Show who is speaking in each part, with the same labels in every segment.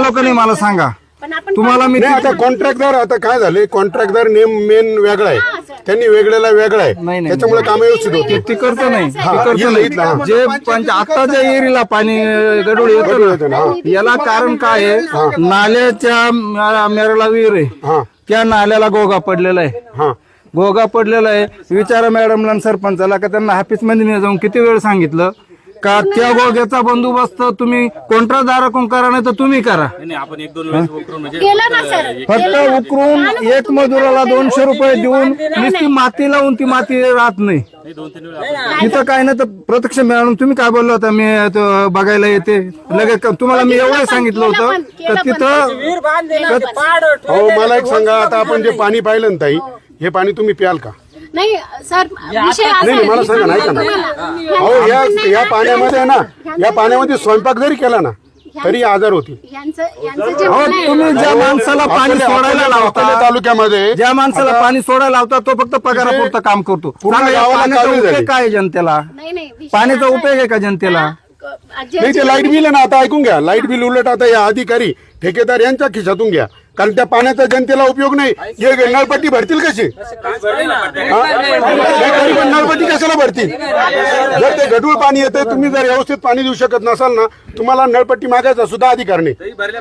Speaker 1: आलो का नाही मला सांगा.
Speaker 2: पण आपण
Speaker 1: तुम्हाला मी
Speaker 3: नाही आता कॉन्ट्रॅक्टदार आता काय झाले कॉन्ट्रॅक्टदार नेम मेन वेगळा आहे त्यांनी वेगळ्याला वेगळा आहे
Speaker 1: नाही.
Speaker 3: त्याच्यामुळे काम व्यवस्थित होते
Speaker 1: ती करतो नाही ती
Speaker 3: हा,
Speaker 1: करतो
Speaker 3: इथलं, हा.
Speaker 1: नाही. जे आता ज्या एरीला पाणी गडूळ येतं ना, याला कारण काय आहे नाल्याच्या मेरला विहीर आहे
Speaker 3: हा
Speaker 1: त्या नाल्याला गोगा पडलेला आहे.
Speaker 3: हा
Speaker 1: गोगा पडलेला आहे. विचारा मॅडमला आणि सरपंचाला का त्यांना ऑफिस मध्ये जाऊन किती वेळ सांगितलं का त्या गोग्याचा बंदोबस्त तुम्ही कॉन्ट्रॅक्टदाराकडून करा नाही तर तुम्ही करा.
Speaker 4: आपण 1-2 वेळेस उकरून म्हणजे
Speaker 2: केलं ना सर.
Speaker 1: फक्त उकरून एक मजुराला 200 रुपये देऊन नुसती माती लावून ती माती राहत नाही.
Speaker 4: 2-3 वेळा
Speaker 1: तिथं काय नाही तर प्रत्यक्ष मॅडम तुम्ही काय बोलला होता मी तो बघायला येते लगेच तुम्हाला मी एवढं सांगितलं होतं तर तिथं
Speaker 3: हो मला एक सांगा आता आपण जे पाणी पाहिलं ना ताई हे पाणी तुम्ही प्याल का
Speaker 2: नाही सर विषय असा
Speaker 3: नाही
Speaker 2: आहे
Speaker 3: मला
Speaker 2: की
Speaker 3: सांगा नाही का हो या पाण्यामध्ये ना या पाण्यामध्ये स्वयंपाक जरी केला ना तरी आजार होतील
Speaker 2: यांचं जे
Speaker 1: हो
Speaker 2: म्हणणं आहे,
Speaker 1: तुम्ही ज्या माणसाला पाणी सोडायला
Speaker 3: आपल्या
Speaker 1: लावता
Speaker 3: तालुक्यामध्ये
Speaker 1: ज्या माणसाला पाणी सोडायला लावता तो फक्त पगारापुरतं काम करतो.
Speaker 3: पूर्ण
Speaker 1: सांगा, या
Speaker 3: गावाला
Speaker 1: पाण्याचा
Speaker 3: काळजी झाली.
Speaker 1: उपयोग काय आहे जनतेला?
Speaker 2: नाही नाही विषय
Speaker 1: पाण्याचा
Speaker 2: असा
Speaker 1: उपयोग आहे का जनतेला?
Speaker 2: आहे,
Speaker 3: नाही ते लाईट बिल आहे ना आता ऐकून घ्या लाईट बिल उलट आता या अधिकारी ठेकेदार यांच्या खिशातून घ्या कारण त्या पाण्याचा जनतेला उपयोग नाही हे नळपट्टी भरतील कशी हा? हे तरी पण नळपट्टी कशाला भरतील जर ते गढूळ पाणी येते तुम्ही जर व्यवस्थित पाणी देऊ शकत नसाल ना तुम्हाला नळपट्टी मागायचा सुद्धा अधिकार नाही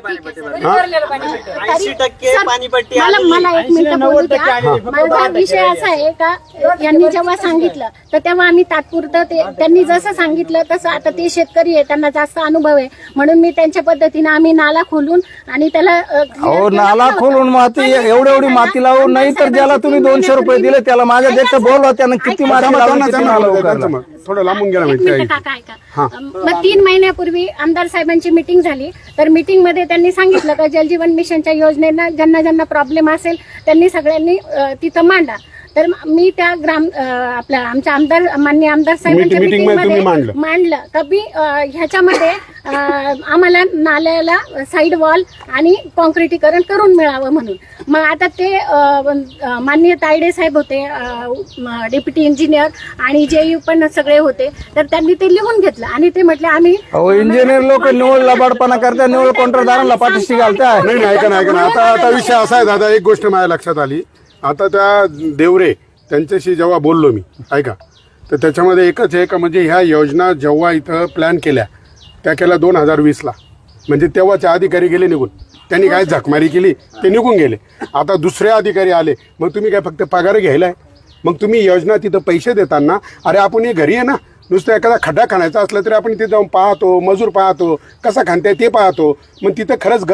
Speaker 2: मला एक मिनिट बोलू द्या. माझा विषय असा आहे का यांनी जेव्हा सांगितलं तर तेव्हा आम्ही तात्पुरतं त्यांनी जसं सांगितलं तसं आता ते शेतकरी आहे त्यांना जास्त अनुभव आहे म्हणून मी त्यांच्या पद्धतीने आम्ही नाला खोलून आणि त्याला
Speaker 1: अहो नाला खोलून माती एवढी माती लावून नाही तर ज्याला तुम्ही 200 रुपये दिले त्याला माझ्या देखत बोलवा त्यानं किती माती लावून किती नाला उकरला.
Speaker 3: थोडं लांबून गेला
Speaker 2: एक
Speaker 3: माहिती
Speaker 2: मिनिट काका ऐका. मग 3 महिन्यापूर्वी आमदार साहेबांची मीटिंग झाली तर मीटिंग मध्ये त्यांनी सांगितलं का जलजीवन मिशनच्या योजनेला ज्यांना ज्यांना प्रॉब्लेम असेल त्यांनी सगळ्यांनी तिथं मांडा. तर मी त्या आपल्या आमच्या आमदार माननीय आमदार साहेबांच्या
Speaker 3: Meeting मध्ये तुम्ही
Speaker 2: मीटिंग मध्ये मांडलं का बी ह्याच्यामध्ये आम्हाला नाल्याला साईड वॉल आणि कॉन्क्रिटीकरण करून मिळावं म्हणून. मग आता ते माननीय तायडे साहेब होते डेप्युटी इंजिनियर आणि जेयू पण सगळे होते तर त्यांनी ते लिहून घेतलं आणि ते म्हटले आम्ही
Speaker 1: अहो इंजिनियर लोक निवड लबाडपणा करतात निवड कॉन्ट्रॅक्टदारांना पाठीशी घालताय.
Speaker 3: नाही ऐका ना आता विषय असा आहे दादा एक गोष्ट माझ्या लक्षात आली आता त्या देवरे त्यांच्याशी जेव्हा बोललो मी ऐका तर त्याच्यामध्ये एकच आहे का म्हणजे ह्या योजना जेव्हा इथं प्लॅन केल्या त्या केल्या 2020ला म्हणजे तेव्हाचे अधिकारी गेले निघून त्यांनी काय झकमारी केली ते निघून गेले. आता दुसरे अधिकारी आले मग तुम्ही काय फक्त पगार घ्यायलाय मग तुम्ही योजना तिथं पैसे देताना अरे आपण हे घरी आहे ना नुसतं एखादा खड्डा खाण्याचा असला तरी आपण तिथे जाऊन पाहतो मजूर पाहतो कसा खाणताय ते पाहतो मग तिथं खरंच